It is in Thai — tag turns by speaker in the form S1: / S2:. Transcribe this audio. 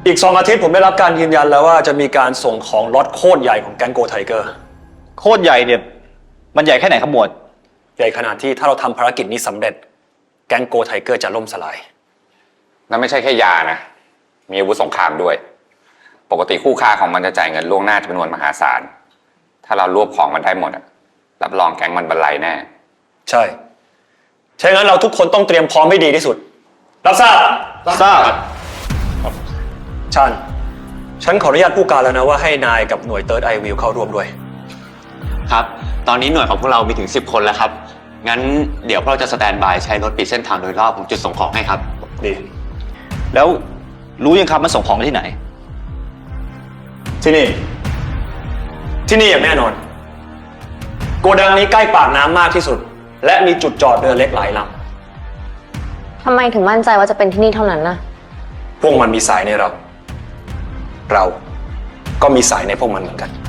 S1: อีก2 อาทิตย์ผมได้รับการยืนยันแล้วว่าจะมีการส่งของล็อตโคตรใหญ่ของแก๊งโกไทเกอร์
S2: โคตรใหญ่เนี่ยมันใหญ่แค่ไหนครับหมวด
S1: ใหญ่ขนาดที่ถ้าเราทำภารกิจนี้สำเร็จแก๊งโกไทเกอร์จะล่มสลาย
S3: นั่นไม่ใช่แค่ยานะมีอาวุธสงครามด้วยปกติคู่ค้าของมันจะจ่ายเงินล่วงหน้าจำนวนมหาศาลถ้าเรารวบของมันได้หมดรับรองแก๊งมันบรรลัยแน่
S1: ใช่ใช่งั้นเราทุกคนต้องเตรียมพร้อมให้ดีที่สุดรับทราบฉันขออนุญาตผู้การแล้วนะว่าให้นายกับหน่วย Third Eye View เข้าร่วมด้วย
S4: ครับตอนนี้หน่วยของพวกเรามีถึง10 คนแล้วครับงั้นเดี๋ยวพวกเราจะสแตนบายใช้รถปิดเส้นทางโดยรอบของจุดส่งของให้ครับ
S1: ดี
S2: แล้วรู้ยังครับมันส่งของไปที่ไหน
S1: ที่นี่อย่างแน่นอนโกดังนี้ใกล้ปากน้ำมากที่สุดและมีจุดจอดเรือเล็กหลายล
S5: ทำไมถึงมั่นใจว่าจะเป็นที่นี่เท่านั้นนะ
S1: พวกมันมีสายในเราก็มีสายในพวกมันเหมือนกัน